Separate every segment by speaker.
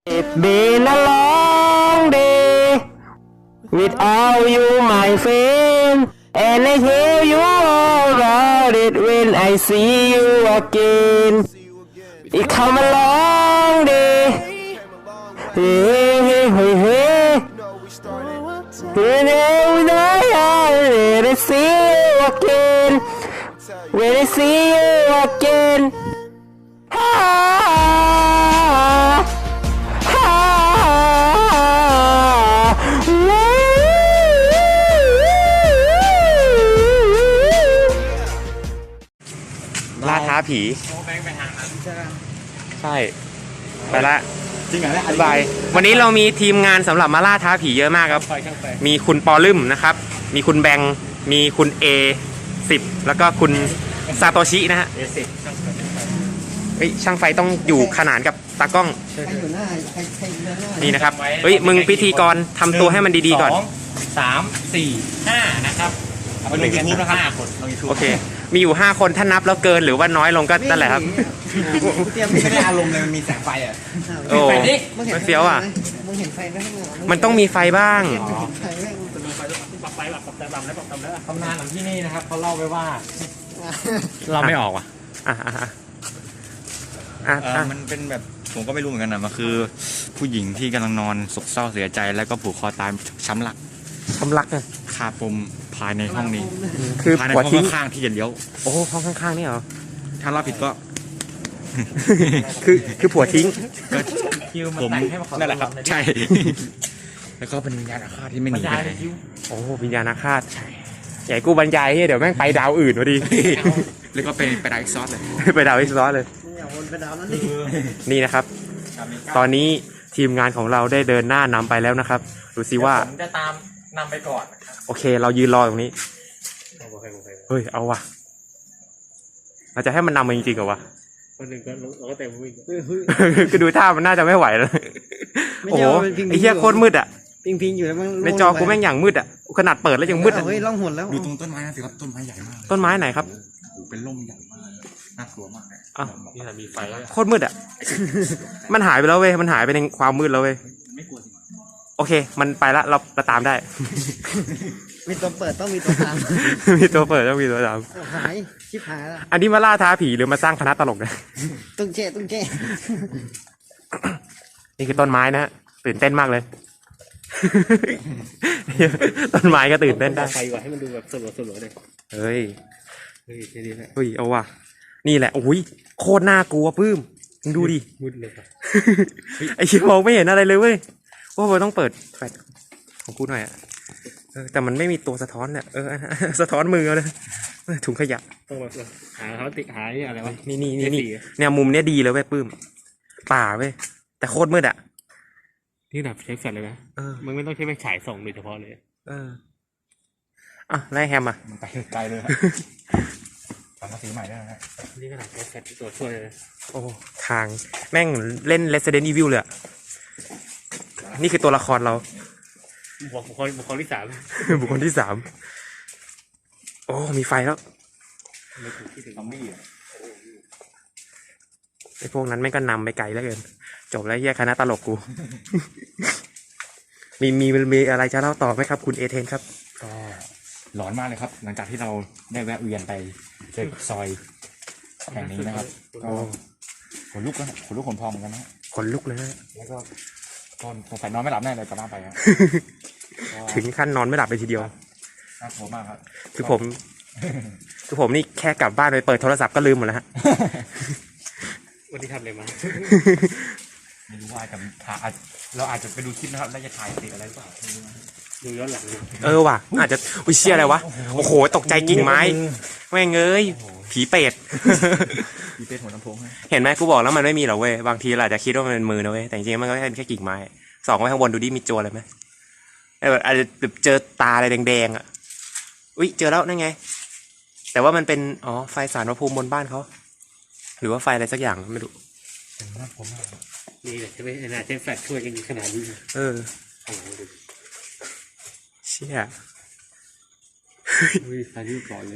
Speaker 1: It's been a long day without you, my friend, and I tell you all about it when I see you again. It come a long day, hey, hey, hey, hey. When I see you again, when I see you again.
Speaker 2: ล่าท้าผีใช่ไปละ
Speaker 3: จริงเหรอเนี่ย
Speaker 2: บายวันนี้เรามีทีมงานสำหรับมาล่าท้าผีเยอะมากครับมีคุณปอลึมนะครับมีคุณแบงค์มีคุณ A10 แล้วก็คุณซาโตชินะฮะเฮ้ยช่างไฟต้องอยู่ขนานกับตากล้องนี่นะครับเฮ้ยมึงพิธีกรทำตัวให้มันดีๆก่อน
Speaker 4: 2 3 4 5นะครับเอาไปลงยูทูบนะครับ5 คนลงยูทูบ
Speaker 2: โอเคมีอยู่5คนถ้านับแล้วเกินหรือว่าน้อยลงก็นั่นแหละครับ
Speaker 3: ไม่ได้อารมณ์เลยมันมีแสงไฟอ่ะ
Speaker 2: โอ้มันเฟี้ยวอ่ะ
Speaker 5: มึงเห็นไฟไหม
Speaker 2: มันต้องมีไฟบ้าง
Speaker 5: ไฟไหม
Speaker 4: ปรับไฟแบบปรับแต่ต่ำแล้วปรับต่ำแล้วตำนานของที่นี่นะครับเขาเล่าไว้ว่าเราไม่ออกว่ะ
Speaker 3: มันเป็นแบบผมก็ไม่รู้เหมือนกันนะมันคือผู้หญิงที่กำลังนอนโศกเศร้าเสียใจแล้วก็ผูกคอตายช้ำหลัก
Speaker 2: ทำรักไง
Speaker 3: คาปมภายในห้องนี้
Speaker 2: คือ
Speaker 3: ภายใน
Speaker 2: หัว
Speaker 3: ห้อง
Speaker 2: ทิ้ง
Speaker 3: ข้างๆที่จะเลี้ยว
Speaker 2: โอ้ห้องข้างๆนี่เหรอ
Speaker 3: ถ้าเราผิดก็
Speaker 2: คือผัวทิ้ง
Speaker 4: คิวมัน
Speaker 3: ผม
Speaker 4: แต่งให้มาขอ
Speaker 3: นั่นแหละครับใช่ แล้วก็เป็นวิญญาณอาฆาตที่ไม่หนี
Speaker 4: ยา
Speaker 3: ไป
Speaker 4: ย
Speaker 3: ไหน
Speaker 4: คิว
Speaker 2: โอ้วิญญาณอาฆาตใหญ่กูบรรยายเดี๋ยวแม่งไปดาวอื่นพอดี
Speaker 3: แล้วก็เป็นไปได้อีกซอสเลย
Speaker 2: ไปดาวอีกซอสเลย
Speaker 5: อย่าวนไปดาวนั้นดิ
Speaker 2: นี่นะครับ ตอนนี้ทีมงานของเราได้เดินหน้านำไปแล้วนะครับดูซิว่า
Speaker 4: ผมจะตามนำไปก่อนนะครับ
Speaker 2: โอเค เรายืนรอตรงนี้เฮ้ยเอาว่ะเราจะให้มันนำมาจริงๆเหรอวะ
Speaker 4: คนหนึ่งก็เราก็เต็มวิ่ง
Speaker 2: คือดูท่ามันน่าจะไม่ไหวแล้วโอ้โหไอ้เหี้ยโคตรมืดอ่ะ
Speaker 5: พิงอยู่แล้วมัน
Speaker 2: ในจอกูแม่งอย่างมืดอ่ะขนาดเปิดแล้วยังมืดอ่ะ
Speaker 5: เฮ้ยล่องหนแล้ว
Speaker 3: ดูตรงต้นไม้นะสิครับต้นไม้ใหญ่มาก
Speaker 2: ต้นไม้ไหนครับ
Speaker 3: โอ้โหเป็นร่มใหญ่มากน่ากลัวมากเลย
Speaker 2: อ้าว
Speaker 4: นี่แหละมีไฟแล้ว
Speaker 2: โคตรมืดอ่ะ มันหายไปแล้วเว้ย มันหายไปในความมืดแล้วเว้ย
Speaker 3: ไม่กลัวสิ
Speaker 2: โอเค มันไปละ เราตามได้
Speaker 5: มีตัวเปิดต้องมีตัวตาม
Speaker 2: มีตัวเปิดต้องมีตัวตาม
Speaker 5: หายชิบหายแล้ว
Speaker 2: อันนี้มาล่าท้าผีหรือมาสร้างคณะตลกนะ
Speaker 5: ตุ้งเจ๊ตุ้งเจ๊
Speaker 2: นี่คือต้นไม้นะฮะตื่นเต้นมากเลย ต้นไม้ก็ตื่นเต้นได้
Speaker 4: ไฟก่อนให้มันดูแบบสลัวๆเลย
Speaker 2: เฮ้ย
Speaker 4: เฮ้ยทีนี้แหละ
Speaker 2: เฮ้ย เอาว่ะ นี่แหละ โอ้ย โคตรน่ากลัวปื้มมึงดูดิ
Speaker 4: มืดเลยครับ
Speaker 2: ไอ้ชิบมองไม่เห็นอะไรเลยเว้ยว่าเราต้องเปิดแฟลชของกูหน่อยอ่ะแต่มันไม่มีตัวสะท้อนเนี่ยสะท้อนมือเอาเลยถุงขยะ
Speaker 4: ต้องแบบหาเขาติหาอะไรวะ
Speaker 2: นี่
Speaker 4: เจ็ดสี่
Speaker 2: เนี่ยมุมเนี้ยดีเลยเว้ยปื้ม ป่าเว้ย แต่โคตรมืดอ่ะ
Speaker 4: นี่แบบใช้แฟลชเลยนะ
Speaker 2: เออ
Speaker 4: มึงไม่ต้องใช้ไฟฉายส่องโดยเฉพาะเลย
Speaker 2: อ่ะไล่แฮมอ่ะ
Speaker 3: มันไปไกลเลยครับทำภาษีใหม่ได้นะ
Speaker 4: นี่ขนาดใช้แฟลชตัวช่วยเลย
Speaker 2: โอ้ทางแม่งเล่น Resident Evil เลยอะนี่คือตัวละครเรา
Speaker 4: บุคคลที่ 3
Speaker 2: บุคคลที่ 3 โอ้ มีไฟแล้ว
Speaker 4: ไม่ถูกที่ถึง
Speaker 3: ซอมบี้อ่ะ
Speaker 2: ไอ้พวกนั้นแม่งก็นำไปไกลแล้วเกิน จบแล้วแยกคณะตลกกู มีอะไรจะเล่าต่อไหมครับ คุณเอเทนครับ
Speaker 3: ก็หลอนมากเลยครับ หลังจากที่เราได้แวะเวียนไปเจอกับซอยแห่งนี้นะครับ ก็ขนลุกแล้วขนลุกขนพองเหมือนกันนะ
Speaker 2: ขนลุกเลยนะ
Speaker 3: แล้วก็ตอนสงสัยนอนไม่หลับแน่เลยกลับบ้านไปครับ
Speaker 2: ถึงขั้นนอนไม่หลับเลยทีเดียว
Speaker 3: น่ากลัวมากครับ
Speaker 2: คือผมนี่แค่กลับบ้านไปเปิดโทรศัพท์ก็ลืมหมดแล้วฮะ
Speaker 4: วันนี้ทำอะไรมา
Speaker 3: ไม่รู้ว่าจะเราอาจจะไปดูคลิปนะครับแล้วจะถ่ายติดอะไรหรือเปล่าไม่รู้นะ
Speaker 4: ดูย้อนหลังดู
Speaker 2: ว่ะอาจจะอุ้ยเชี่ยอะไรวะ โอ้โห ตกใจกิ่งไม้ แม่งเอ้ย ผีเป็ด
Speaker 3: มีเป็นหัวลำโพงให้
Speaker 2: เห็นไหมกูบอกแล้วมันไม่มีหรอกเว้ย บางทีเราอาจจะคิดว่ามันเป็นมือนะเว้ย แต่จริงๆมันก็เป็นแค่กิ่งไม้ส่องไว้ข้างบนดูดิมีโจรอะไรไหมแบบอาจจะเจอตาอะไรแดงๆอ่ะ อุ้ยเจอแล้วนั่นไง แต่ว่ามันเป็นไฟสารพระภูมิบนบ้านเขาหรือว่าไฟอะไรสักอย่างไม่รู้
Speaker 3: น่ากลัวมาก
Speaker 4: นี่แหละใช่ไหมน่าใช้แฟลชช่วยกันขนาดนี้
Speaker 2: เออ
Speaker 4: โอ้โหดู
Speaker 2: เชี่ย
Speaker 4: อุ้ยไฟที่ก่อนเลย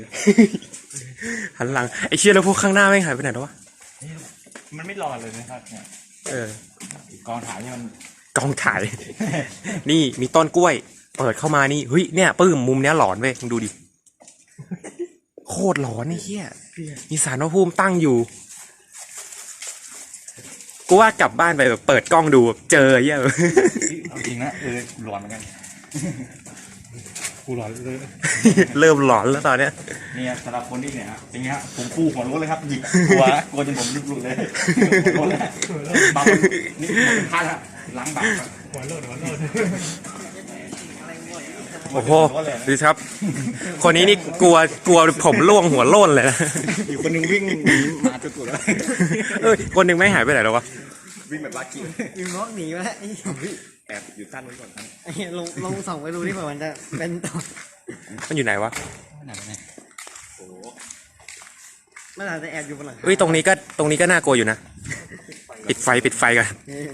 Speaker 2: หันหลังไอ้เชี่ยแล้วพวกข้างหน้าแม่งหายไปไหนแล้ววะ
Speaker 3: มันไม่รอเลยนะครับเนี่ย
Speaker 2: เออก
Speaker 3: องถ่ายเนี่ยมัน
Speaker 2: กองถ่าย นี่มีต้นกล้วย เปิดเข้ามานี่เฮ้ยเนี่ยปื้มมุมเนี้ยหลอนเว้ยมึงดูดิโคตรหลอนไอ้เหี้ยมีศาลพระภูมิตั้งอยู่กูว่ากลับบ้านไปแบบเปิดกล้องดูแบบเจอไอ้เหี้ย
Speaker 3: เอาจริงนะหลอนเหมือนกัน
Speaker 4: กูหลอนเลย
Speaker 2: เริ่มหลอนแล้วตอนเนี้ย
Speaker 3: เนี่ยสำหรับคนที่เนี่ยฮะอย่างเงี้ยผมฟูหัวรู้เลยครับหยิกกลัวจนผมลุกลุกเลยกลัวแล้วบางคนนี่ผมพลาดละล้างบาป
Speaker 4: หัวโลดหัวโลด
Speaker 2: โอ้โหดูครับ คนนี้นี่กลัวผมร่วงหัวโล้นเลยนะ
Speaker 3: อีกคนนึงวิ่งหนีมาจุดๆแล้ว
Speaker 2: เอ้ยคนหนึ่งไม่หายไปไหนแล้ววะ
Speaker 3: วิ่งแบบลากกี้
Speaker 5: ยิงน็อกหนีมาแล้วไอ้
Speaker 3: แอบอยู่ท่านไว้ก่อนครับ
Speaker 5: ไอ้ลงส่องไปดูที่มันจะเป็นต่อ
Speaker 2: มันอยู่ไหนวะ
Speaker 5: มันอาจจะแอบอยู่บนหลังคา
Speaker 2: เอ้ยตรงนี้ก็น่ากลัวอยู่นะปิดไฟกัน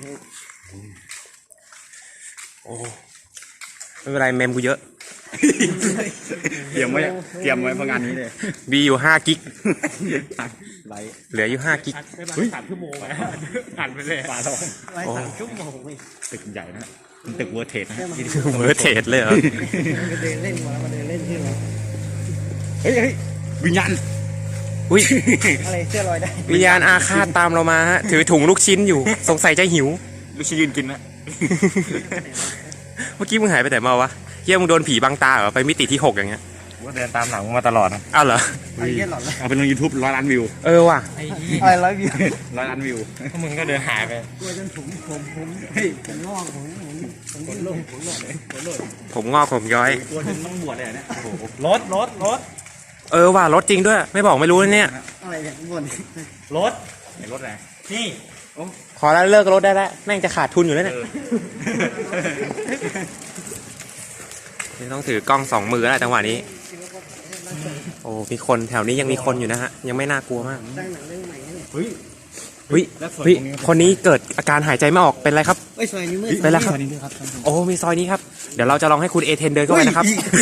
Speaker 2: โอ้ไม่เป็นไรเมมกูเยอะ
Speaker 3: เตรียมไว้เพราะงานนี้เลย
Speaker 2: มีอยู่5 กิก
Speaker 3: ไลท์
Speaker 2: เหลืออยู่5 กิก
Speaker 4: ได้มา3 ชั่วโมงไหมอ่านไปเลย
Speaker 3: ปลาทอง
Speaker 5: ไว้3 ชั่วโมงนี่
Speaker 3: ตึกใหญ่นะเป็นตึกเวอร์เทสนะ
Speaker 2: เวอร์เทสเลยเหรอ
Speaker 5: มาเดินเล่นมาเดินเล่นที่เรา
Speaker 3: เฮ้ยวิญญาณ
Speaker 2: อุ้ย
Speaker 5: อะไรเสื้อลอยได้
Speaker 2: วิญญาณอาฆาตตามเรามาฮะถือถุงลูกชิ้นอยู่ สงสัยจะหิว
Speaker 3: ลูกชิ้นยืนกินนะ
Speaker 2: เมื่อกี้มึงหายไปไหนมาวะเฮียมึงโดนผีบังตาเหรอไปมิติที่ 6อย่างเงี้ย
Speaker 3: ว่าเดินตามหลังมาตลอดนะ
Speaker 2: อ้าวเหรอ
Speaker 5: ไอ้เหี้ยหลอนเลย
Speaker 3: เอาไปลง YouTube 100 ล้านวิว
Speaker 2: เออว่ะ
Speaker 5: อะไรร้อยวิว
Speaker 3: 100 ล้านวิว
Speaker 4: พวกมึงก็เดินหายไป
Speaker 5: กลัวจนผมงอกผมลง
Speaker 2: ผมงอกผมย้อย
Speaker 3: กลัวจนต้องบวชเลยเนี่ยโอ้โห
Speaker 4: รถ
Speaker 2: เออว่ะรถจริงด้วย ไม่บอกไม่รู้นะเนี่ย
Speaker 5: อะไรเนี่ยบน
Speaker 4: รถ
Speaker 3: ในรถไหน
Speaker 4: นี่
Speaker 2: ขอแล้วเลิกรถได้แล้วแม่งจะขาดทุนอยู่แล้วเนี่ยนี่ต้องถือกล้อง2 มือแล้วจังหวะนี้ โอ้มีคนแถวนี้ยังมีคนอยู่นะฮะยังไม่น่ากลัวมาก
Speaker 5: สร้างหนังเรื่องใหม่นี่
Speaker 3: เฮ้ย
Speaker 2: เฮ้ยเฮ้ยคนนี้เกิดอาการหายใจไม่ออกเป็นไรครับ
Speaker 5: เอ้ยซอยนี้มืด
Speaker 2: เป็นไรครับ
Speaker 3: นี่ด้วยครับท่านผู้ชม
Speaker 2: โอ้มีซอยนี้ครับเดี๋ยวเราจะลองให้คุณเอเทนเดินเข้าไปนะครับ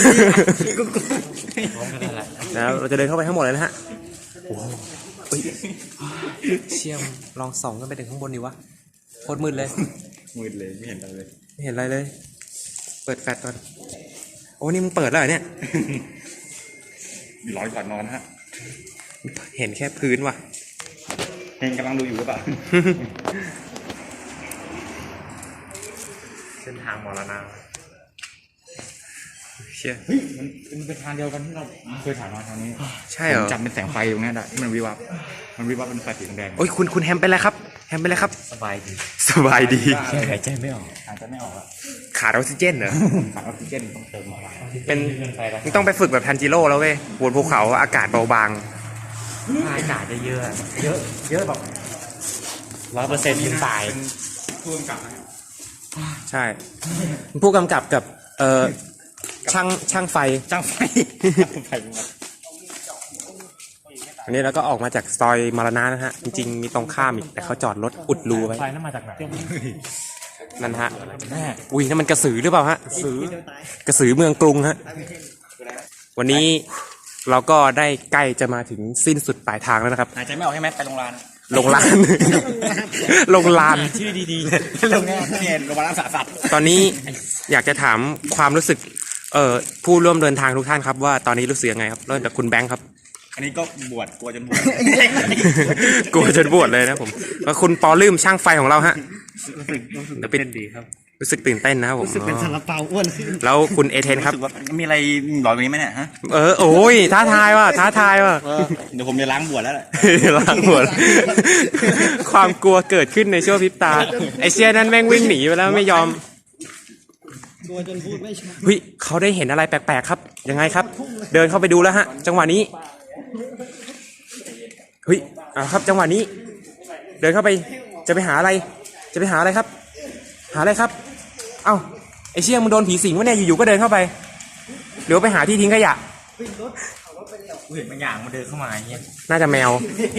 Speaker 2: แล้วเราจะเดินเข้าไปทั้งหมดเลยนะฮะโอ้โหเฮ้ยเชี่ยมลองส่องขึ้นไปถึงข้างบนดีวะโคตรมืดเลย
Speaker 3: มืดเลยไม่เห็นอะไรเลย
Speaker 2: ไม่เห็นอะไรเลย เปิดแฟลชก่อน โอ้นี่มึงเปิดแล้วเหรอเนี่ย
Speaker 3: ร้อนก่อนนอนฮะ
Speaker 2: เห็นแค่พื้นว่ะ
Speaker 3: เฮงกำลังดูอยู่หรือเปล่า
Speaker 4: เส้นทางมรณะ
Speaker 2: เชี่ย
Speaker 3: เฮ้ยมันเป็นทางเดียวกันที่เราเคยถ่ายมาทางนี้
Speaker 2: ใช่เหร
Speaker 3: ผ
Speaker 2: อ
Speaker 3: มจำเป็นแสงไฟตรงนี้ได้ที่มันวิบวับเป็นไฟสีแดง
Speaker 2: โอ้ยคุณแฮมเป็นไรครับ แฮมเป็นไรครับ
Speaker 3: สบายดี
Speaker 2: สบายดี
Speaker 3: หายใจไม่ออกหายใจไม่ออกอะ
Speaker 2: ขาดออกซิเจนเหรอ
Speaker 3: ขาดออกซิเจนต้องเติมมา
Speaker 2: เป็นมึงต้องไปฝึกแบบทันจิโร่แล้วเว้ยบนภูเขาอากาศเบาบาง
Speaker 4: อากาศจะเยอะแบบ100%ขึ้นไป
Speaker 3: พ่วงกับนะ
Speaker 2: ใช่ ผู้กำกับกับช่างไฟ
Speaker 3: จ้างไฟไฟมา
Speaker 2: อันนี้เราก็ออกมาจากซอยมรณะนะฮะ จริงๆมีตรงข้ามอีกแต่เขาจอดรถอุดรูไว้
Speaker 4: ไฟนั่นมาจากไหน
Speaker 2: นั่นฮะอุ้ยนั่นมันกระสือหรือเปล่าฮะกระสือเมืองกรุงฮะ วันนี้เราก็ได้ใกล้จะมาถึงสิ้นสุดปลายทางแล้วนะครับ
Speaker 3: หายใจไม่ออกใช่ไหมไปโรงพยาบาล
Speaker 2: ลงลาน ลงลาน
Speaker 4: ชื่อดี
Speaker 3: โรงพยาบาลเนี่ยโรงพยาบาลรักษาสัตว์
Speaker 2: ตอนนี้อยากจะถามความรู้สึกผู้ร่วมเดินทางทุกท่านครับว่าตอนนี้รู้สึกยังไงครับเริ่มจากคุณแบงค์ครับ
Speaker 3: อันนี้ก็บวชกลัวจนบวช
Speaker 2: กลัวจนบวชเลยนะผมแล้วคุณปอลืมช่างไฟของเราฮะเดี๋ยวเป็น
Speaker 4: ดีครับ
Speaker 2: รู้สึกตื่นเต้นนะครับผม
Speaker 5: รู้สึกเป็นซาลาเปาอ้วนขึ้น
Speaker 2: แล้วคุณเอเทนครับ
Speaker 3: รู้สึกว่ามีอะไรหลอนกว่านี้ไหมเนี่ยฮะ
Speaker 2: โอ้ยท้าทายว่ะท้าทายว่ะ
Speaker 3: เดี๋ยวผมจะล้างบวชแล้วแหละ
Speaker 2: ล้างหัวความกลัวเกิดขึ้นในชั่วพริบตาไอเชียนั้นแม่งวิ่งหนีไปแล้วไม่ยอม
Speaker 5: ตัวจนพูดไม่ชัด
Speaker 2: เฮ้ยเขาได้เห็นอะไรแปลกๆครับยังไงครับ เดินเข้าไปดูแล้วฮะ จังหวะนี้เฮ้ยครับจังหวะนี้ เดินเข้าไปจะไปหาอะไร จะไปหาอะไรครับ หาอะไรครับ เอ้าไอเชี่ยมึงโดนผีสิงวะเนี่ยอยู่ๆก็เดินเข้าไปเดี๋ยวไปหาที่ทิ้งขยะ
Speaker 3: เห็นบางอย่างมันเดินเข้ามาอย่างเงี้ย
Speaker 2: น่าจะแมว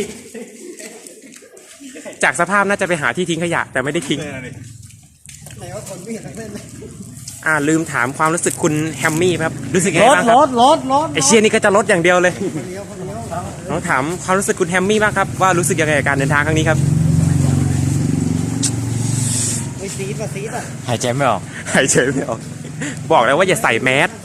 Speaker 2: จากสภาพน่าจะไปหาที่ทิ้งขยะ แต่ไม่ได้ทิ้ง
Speaker 5: ไหนว่าคนไม่เห็นทั้งเล่นเลย
Speaker 2: ลืมถามความรู้สึกคุณแฮมมี่ครับรู้สึกยังไงบ้างครับ
Speaker 5: รถ
Speaker 2: ไอเชี่ยนี่ก็จะลดอย่างเดียวเลย
Speaker 5: คนเดียว
Speaker 2: เราถามความรู้สึกคุณแฮมมี่บ้างครับว่ารู้สึกยังไงกับการเดินทางครั้งนี้ครับ
Speaker 5: ซีดป่ะซีดอ่ะ
Speaker 3: หายใจไม่ออก
Speaker 2: หายใจไม่ออกบอกแล้วว่าอย่าใส่แมส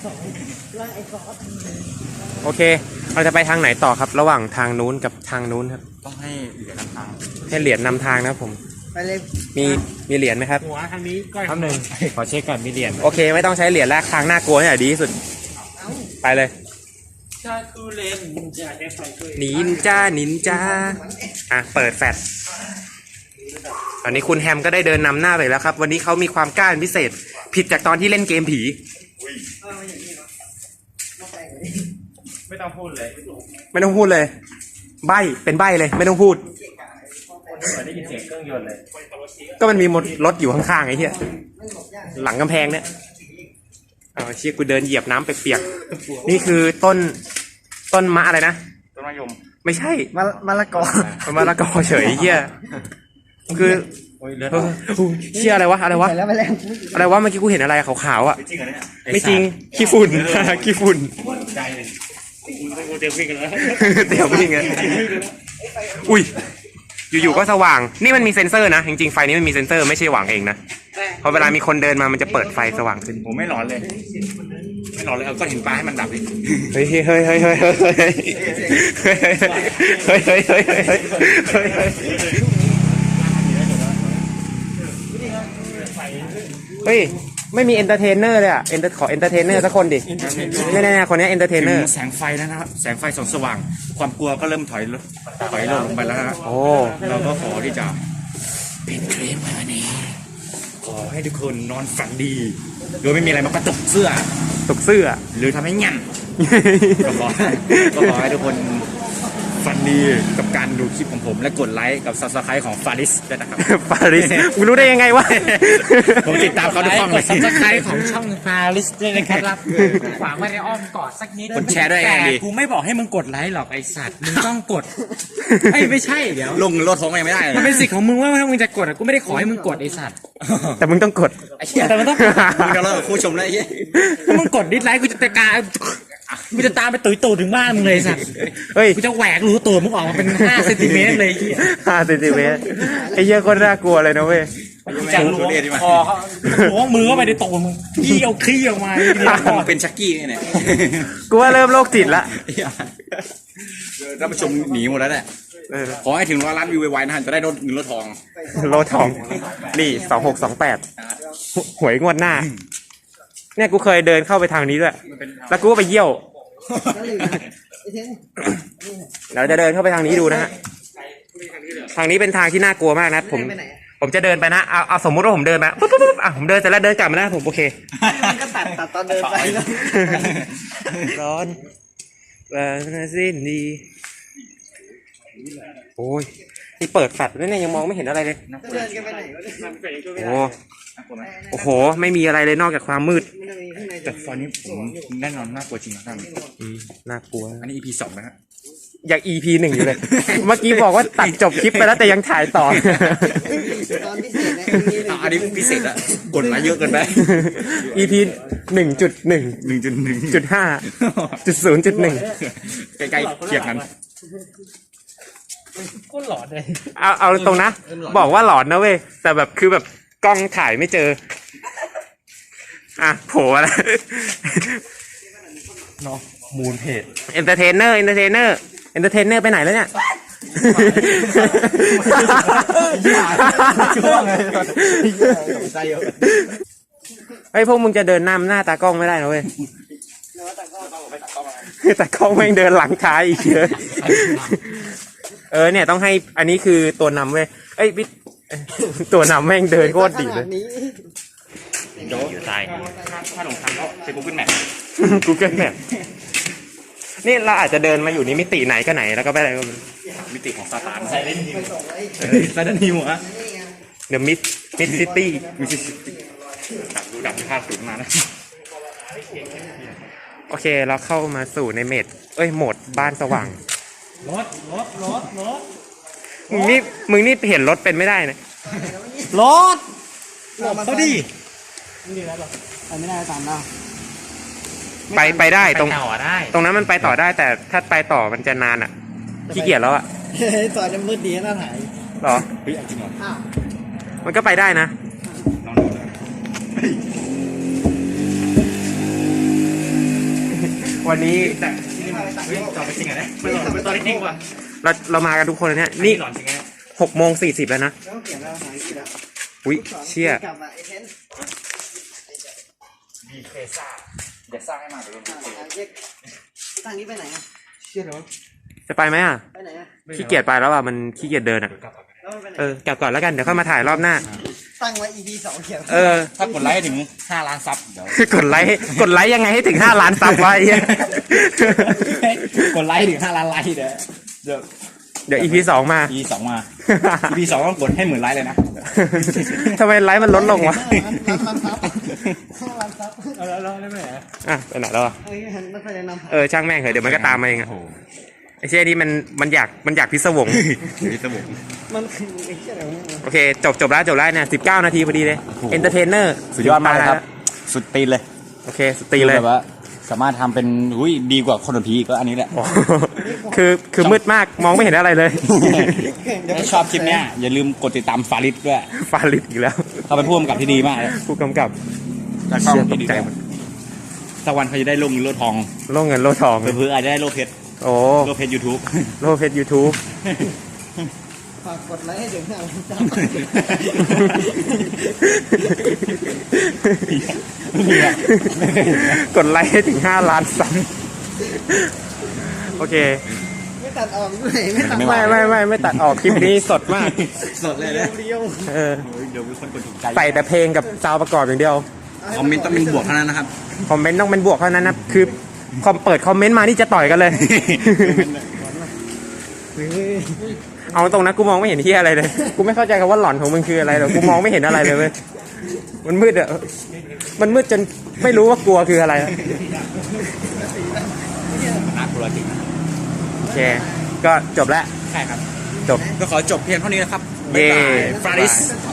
Speaker 2: โอเค เราจะไปทางไหนต่อครับ ระหว่างทางนู้นกับทางนู้นครับ
Speaker 3: ต้องให้เหลือนำทาง
Speaker 2: ให้เหรียญนำทางนะครับผม
Speaker 5: ไปเลย
Speaker 2: มีเหรียญไหมครับ
Speaker 4: หัวทางนี้ก้อย
Speaker 3: คำหนึ่งขอเช็คก่อนมีเหรียญ
Speaker 2: โอเค ไม่ต้องใช้เหรียญแล้วทางน่ากลัวนี่แหละดีที่สุด ไปเลย
Speaker 4: ชาคูเลนจะได้ไฟช่วย
Speaker 2: นินจาอ่ะเปิดแฟลชตอนนี้คุณแฮมก็ได้เดินนำหน้าไปแล้วครับ วันนี้เขามีความกล้าเป็นพิเศษ ผิดจากตอนที่เล่นเกมผี
Speaker 3: ไม่ต้องพูดเลย
Speaker 2: ไม่ต้องพูดเลย ใบเป็นใบเลย ไม่ต้องพูด
Speaker 3: ได้ยินเสียงเครื่องยนต์เลย
Speaker 2: ก็มันมีรถอยู่ข้างๆไอ้เหี้ยหลังกำแพงเนี่ยเอาเชี่ยกูเดินเหยียบน้ำเปียกๆนี่คือต้นมะอะไรนะ
Speaker 3: ต้นมะยม
Speaker 2: ไม่ใช่
Speaker 5: มะละกอ
Speaker 2: มะละกอเฉยไอ้เหี้ยคือ
Speaker 3: โอ้ยเลือด
Speaker 2: เออเชี่ยอะไรวะอะไรวะ
Speaker 5: ไปแล้วไปแล้ว
Speaker 2: อะไรวะเมื่อกี้กูเห็นอะไรขาวๆอ่ะ
Speaker 3: จริงเหรอเนี่ย
Speaker 2: ไม่จริงขี้ฝุ่น ขี้ฝุ่น
Speaker 3: ใจเลย
Speaker 4: กูเตรียมวิ่งกันแล้ว
Speaker 2: เดี๋ยววิ่งกันอุ้ยอยู่ๆก็สว่าง นี่มันมีเซ็นเซอร์นะ จริงๆไฟนี้มันมีเซ็นเซอร์ไม่ใช่หวังเองนะพอเวลามีคนเดินมามันจะเปิดไฟสว่างขึ้น
Speaker 3: ผมไม่ร้อนเลย ไม่ร้อนเลยเอาก้อนหินปลาให้มันดับดิ
Speaker 2: เฮ้ยเฮ้ยเฮ้ยเฮ้ยเฮ้ยเฮ้ยเฮ้ยเฮ้ยเฮ้ยเฮ้ยเฮ้ยเฮ้ยเฮ้ยเฮ้ยเฮ้ยไม่มีเอนเตอร์เทนเนอร์เลยอ่ะขอเอนเตอร์เทนเนอร์สักคนดิแน่ๆคนนี้เอนเตอร์เทนเนอร์
Speaker 3: แสงไฟแล้วนะครับแสงไฟส่องสว่าง ความกลัวก็เริ่มถอยลงไปแล้วนะ
Speaker 2: โอ้
Speaker 3: เราก็ขอที่จะเป็นเคลมมานี้ขอให้ทุกคนนอนฝันดีโดยไม่มีอะไรมากระตุกเสื้อ
Speaker 2: ตกเสื้อ
Speaker 3: หรือทำให้งันก็ขอให้ทุกคนฝันดีกับการดูคลิปของผม และกดไลค์กับ Subscribe ของฟาริสด้วยนะครับ
Speaker 2: ปาริสมึงรู้ได้ยังไงวะ
Speaker 3: ผมติดตามเขาทุกช่องเลย
Speaker 4: ซับสไครต์ของช่องฟาริสด้วยนะครับฝากไว้ในอ้อมกอดสักนิด
Speaker 3: กดแชร์ด้วยยังไงดี
Speaker 4: กูไม่บอกให้มึงกดไลค์หรอกไอสัตว์ มึงต้องกดเอ้ยไม่ใช่เดี๋ยว
Speaker 3: ลงรถท้องยังไม่ได้เลย
Speaker 4: มันเป็นสิทธิ์ของมึงว่าถ้ามึงจะกดอะกูไม่ได้ขอให้มึงกดไอสัตว์
Speaker 2: แต่มึงต้องกด
Speaker 4: แต่มันต้อง
Speaker 3: มึงจะเลิกกับผู้ชมแล้วไอ้เหี้ย
Speaker 4: ถ้ามึงกดดิสไลค์กูจะตะการกูจะตามไปตุยตูดถึงบ้านมึงเลยไอ้สัตว์
Speaker 2: เฮ้ย
Speaker 4: กูจะแหวกรูตัวมึงออกมาเป็น5 เซนติเมตรเลยไอ้เหี้ย
Speaker 2: 5 เซนติเมตรไอ้เหี้ยโคนน่ากลัวเลยนะเว้ย
Speaker 4: จะล้วงคอเขาล้วงมือเข้าไปในตูดมึงขี้เอาขี้ออกมาไอ้เหี้ย
Speaker 3: มึงเป็นชักกี้เนี่ย
Speaker 2: กูว่าเริ่มโรคจิตละ
Speaker 3: ท่านผู้ชมหนีหมดแล้วแหละ
Speaker 2: เออ
Speaker 3: ขอให้ถึง100 ล้านวิวไวๆนะฮะจะได้รถเงินรถทอง
Speaker 2: โลทอง นี่ 2628 หวยงวดหน้า เนี่ยกูเคยเดินเข้าไปทางนี้ด้วย แล้วกูก็ไปเยี่ยว เราจะเดินเข้าไปทางนี้ดูนะฮะ ทางนี้เป็นทางที่น่ากลัวมากนะ ผมจะเดินไปนะ เอาสมมุติว่าผมเดินมาปุ๊บผมเดินเสร็จแล้วเดินกลับมานะผมโอเค
Speaker 5: มันก็ตัดตอนเดินไปแล้ว
Speaker 2: ร้อนสิ้นดี โอ้ยนี่เปิดแฟลชด้วยเนี่ยยังมองไม่เห็นอะไรเลย
Speaker 5: เดินกันไปไหนวะเนี่ย
Speaker 2: โอ้โอ้โห ไม่มีอะไรเลยนอกจากความมืด
Speaker 5: มันจะมีข้างใน
Speaker 3: แต่ตอนนี้ผมแน่นอนน่ากลัวจริงนะท่าน
Speaker 2: น่ากลัว
Speaker 3: อันนี้ EP 2นะฮะ
Speaker 2: อยาก EP 1 อยู่เลย เมื่อกี้บอกว่าตัดจบคลิปไปแล้วแต่ยังถ่ายต่อ
Speaker 5: ตอนพิเศษนะ
Speaker 3: อันนี้พิเศษอะกดไลค์เยอะเกินไป
Speaker 2: EP 1.1
Speaker 3: 1.1
Speaker 2: 5.0.1
Speaker 3: ใกล้ๆเคียงกัน
Speaker 4: ก็หลอนเลย
Speaker 2: เอาตรงนะ บอกว่าหลอนนะเว้ย แต่แบบคือแบบกล้องถ่ายไม่เจอ อ่ะโผล่อะไร
Speaker 3: เนาะมูลเพจ
Speaker 2: เอนเตอร์เทนเนอร์ไปไหนแล้วเนี่ย เฮ้ยพวกมึงจะเดินหน้าตากล้องไม่ได้นะเว้ยแต่กล้องแม่งเดินหลังท้ายอีกเยอะเนี่ยต้องให้อันนี้คือตัวนำเว้ยเอ้ยพี่ตัวนำแม่งเดินโคตรดีเลย
Speaker 3: อยู่ใต้ถ้าหลงทางก็เป็น Google Map
Speaker 2: Google Map นี่เราอาจจะเดินมาอยู่ในมิติไหนก็ไหนแล้วก็ไปอะไรก็
Speaker 3: มิติของซาตานไซเรนฮิวไซเรนฮิวอะ
Speaker 2: The Mid City
Speaker 3: ดับภาพสูงมานะ
Speaker 2: โอเคเราเข้ามาสู่ในโหมดบ้านสว่าง
Speaker 4: รถ
Speaker 2: มึงนี่เห็นรถเป็นไม่ได้นะ
Speaker 4: รถเขาดิ
Speaker 5: ไปไม่ได้ตามเรา
Speaker 2: ไปได้ตรง
Speaker 4: ต่อได้
Speaker 2: ตรงนั้นมันไปต่อได้แต่ถ้าไปต่อมันจะนานอ่ะขี้เกียจแล้วอ่ะ
Speaker 5: เฮ้ยตอนจะมืดดีน่าถ่าย
Speaker 2: หรอ
Speaker 3: เฮ้ยจริงเหรอ
Speaker 5: อ้าว
Speaker 2: มันก็ไปได้นะ
Speaker 3: ล
Speaker 2: วันนี้
Speaker 4: จอดไปจริงเหรอเนี่ยไม่หลอนไม่ตอนจริงว่ะ
Speaker 2: เรามากันทุกคนเลยเนี่ยนี่
Speaker 4: หลอนจริงไง
Speaker 2: 6:40แล้วนะ
Speaker 5: ต้องเขียนแล้วหายกี่แล้ว
Speaker 2: อุ้ยเชี่ย
Speaker 5: กลับมาไอ้เทน
Speaker 3: มีเคซ่าเดี๋ยวสร้างให้มาเดี๋ยว
Speaker 5: ทางนี้ไปไหนอ่ะเชี่ยเหรอ
Speaker 2: จะไปไหมอ่ะ
Speaker 5: ไปไหนอ่ะ
Speaker 2: ขี้เกียจไปแล้วอ่ะมันขี้เกียจเดินอ่ะ
Speaker 5: แล้วมันไปไหน
Speaker 2: กลับก่อนแล้วกันเดี๋ยวค่อยมาถ่ายรอบหน้า
Speaker 5: ตั้งไว้ EP 2เขียน
Speaker 3: ถ้ากดไลค์ถึง5 ล้านซับเดี๋ยว
Speaker 2: กดไลค์ยังไงให้ถึง5 ล้านซับไว้เหี้ย
Speaker 3: กดไลค์ถึง5 ล้านไลค์เดี๋ยว
Speaker 2: เดี๋ยว EP 2 มา
Speaker 3: EP 2มา EP 2ต้องกดให้10,000 ไลค์เลยนะ
Speaker 2: ทำไมไลค์มันลดลงวะ
Speaker 5: ร้านซับร้านซับ
Speaker 4: เอาแล้วได้ไหม
Speaker 2: อ่ะไปไหนแล้วอ่ะ
Speaker 5: เฮ้ยไม่ค่อยแนะนำ
Speaker 2: ช่างแม่งเถอะเดี๋ยวมันก็ตามมาเองอะ
Speaker 3: โอ้โห
Speaker 2: ไอ้เชี่ยนี่มันอยากพิศวง
Speaker 3: พี่สมุน
Speaker 5: มันคือไอ้เชี่ยอะไรวะเนี่ย
Speaker 2: โอเคจบแล้วเนี่ย19 นาทีพอดีเลย
Speaker 3: โอ้โห
Speaker 2: เอนเตอร์เทนเนอร์
Speaker 3: สุดยอดมากเลยครับ สุดตีนเลย
Speaker 2: โอเคสตรีเลย
Speaker 3: แบบว่าสามารถทำเป็นดีกว่าคนผีอีกก็อันนี้แหละ
Speaker 2: โอ้โหคือมืดมากมองไม่เห็นอะไรเลย
Speaker 3: ถ้าชอบคลิปเนี้ยอย่าลืมกดติดตามฟาริสด้วย
Speaker 2: ฟาลิดอีกแล้ว
Speaker 3: เขาเป็นผู้กำกับที่ดีมากเลย
Speaker 2: ผู้กำกับ
Speaker 3: และกล้องที่ดีด้วยสักวันเขาจะได้โล่เงินโล่ทอง
Speaker 2: โล่เงินโล่ทอง
Speaker 3: เพื่ออาจจะได้โล่เพชร
Speaker 2: โอ้
Speaker 3: โล่เพชร YouTube
Speaker 2: โล่เพชร YouTube
Speaker 5: ฝากกดไลค์ให้ถึง5 ล้านซับ
Speaker 2: กดไลค์ให้ถึง5 ล้านซับโอเค
Speaker 5: ไม่ตัดออกด้วยไม่ตัด
Speaker 2: ไม่ตัดออกคลิปนี้สดมาก
Speaker 3: สดเลยนะ
Speaker 5: เดียว
Speaker 3: เดี๋ยวมีคนกดถูกใจ
Speaker 2: ใส่แต่เพลงกับซาวด์ประกอบอย่างเดียว
Speaker 3: คอมเมนต์ต้องเป็นบวกเท่านั้นนะครับ
Speaker 2: คอมเมนต์ต้องเป็นบวกเท่านั้นนะคือเปิดคอมเมนต์มานี่จะต่อยกันเลย เอาตรงนะกูมองไม่เห็นที่อะไรเลย กูไม่เข้าใจคำว่าหลอนของมึงคืออะไรหรอกกูมองไม่เห็นอะไรเลยเว้ยมันมืดอะมันมืดจนไม่รู้ว่ากลัวคืออะไรอะ
Speaker 3: น่ากลัวจริง
Speaker 2: โอเค ก็จบแล้ว
Speaker 3: ใช่ครับ
Speaker 2: จบ
Speaker 3: ก็ขอจบเพียงเท่านี้นะครับ
Speaker 2: เย้
Speaker 3: ฟาริส
Speaker 5: ฟ